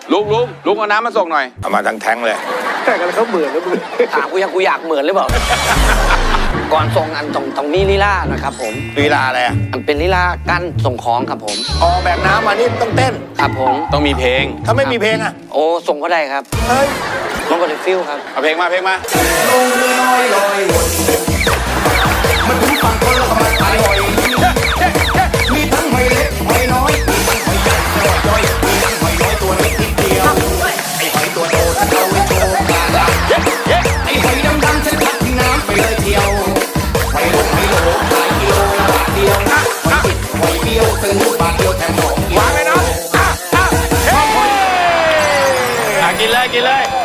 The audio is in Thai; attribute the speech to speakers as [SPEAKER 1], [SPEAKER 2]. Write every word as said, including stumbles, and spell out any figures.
[SPEAKER 1] ลุงลุงลุงเอาน้ำมาส่งหน่อย
[SPEAKER 2] เอามาทั้งแท้งเลย
[SPEAKER 3] แต่กันเขาเหมือนแล้วมึง
[SPEAKER 4] ถามกูยังกูอยากเหมือนหรือเปล่า ก่อนส่งอันตรงตรงนี้ลีลานะครับผม
[SPEAKER 2] ลีลาอะไรอ่ะ
[SPEAKER 4] อันเป็นลีลากั้นส่งของครับผม
[SPEAKER 2] อ๋อแบกน้ำมานี่ต้องเต้น
[SPEAKER 4] ครับผม
[SPEAKER 1] ต้องมีเพลง
[SPEAKER 2] ถ้าไม่มีเพลงอ่ะ
[SPEAKER 4] โอ้ส่งก็ได้ครับ
[SPEAKER 2] เฮ้ย
[SPEAKER 4] มันก็ได้ฟิลครับ
[SPEAKER 1] เอาเพลงมาเพลงมา
[SPEAKER 5] ลงเรือลอยลอยวนมันถึงฝั่งคนแล้วก็มาขายหอยมีทั้งหอยเล็กหอยน้อยมีทั้งหอยใหญ่หอยย่อยมีทั้งหอยน้อยตัวเล็กนิดเดียวไอ้หอยตัวโตฉันเอาไว้โชว์กลางไอ้หอยดำๆฉันพัดทิ้งน้ำไปเลยเที่ยวหอยโหลหอยโหลขายกิโลละบาทเดียวหอยติดหอยเบี้ยวซื้อบาทเดียวแถมสองกิโลวางเลยเนาะ
[SPEAKER 1] กินเลยกินเลย